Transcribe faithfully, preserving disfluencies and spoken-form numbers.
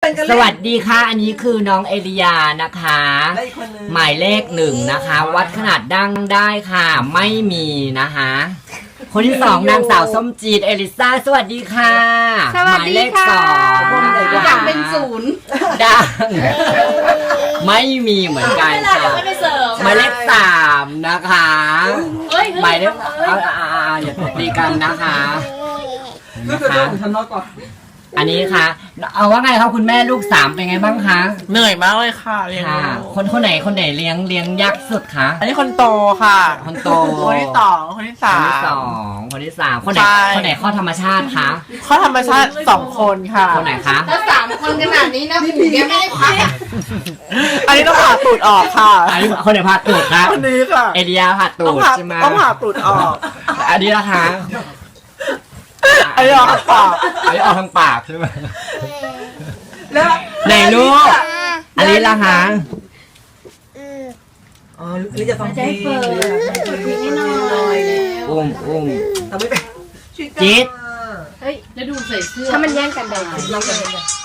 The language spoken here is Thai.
สวัสดีค่ะอันนี้คือน้องเอลิยานะคะหมายเลขหนึ่งนะคะ วัดขนาดดั้งได้ค่ะไม่มีนะคะคนที่สองนางสาวส้มจีดเอลิซ่าสวัสดีค่ะหมายเลขสองอยากเป็นศูนย์ดังไม่มีเหมือนกันค่ะหมายเลขสามนะคะหมายเลขอย่าตบตีกันนะคะนะคะอันนี้ค่ะเอาว่าไงครับคุณแม่ลูกสามเป็นไงบ้างคะเหนื่อยมากเลยค่ะเลี้ยงค่ะคนคนไหนคนไหนเลี้ยงเลี้ยงยากสุดคะอันนี้คนโตค่ะคนโตคนที่สองคนที่สาคนมที่สองคนที่สามคนไหนใช่คนไหนข้อธรรมชาติคะข้อธรรมชาติสองคนค่ะคนไหนคะถ้าสามคนขนาดนี้นะหูแกไม่ได้พักอันนี้ต้องผ่าตูดออกค่ะอันนี้คนไหนผ่าตูดคะคนนี้ค่ะเอเดียผ่าตูต้องดผ่าใช่ไหมต้องผ่าตูดออกอันนี้นะคะอันนี้ออกทางปากอันนี้ออกทางปากใช่ไหมแล้วไหนลูกอันนี้ละคะอ๋อหรือจะฟังเพลงหรือจะฟังเพลงนิดหน่อยอุ้มอุ้มทำไม่เป็นจี๊ดเฮ้ยแล้วดูใส่เสื้อถ้ามันแย่งกันได้เรากัน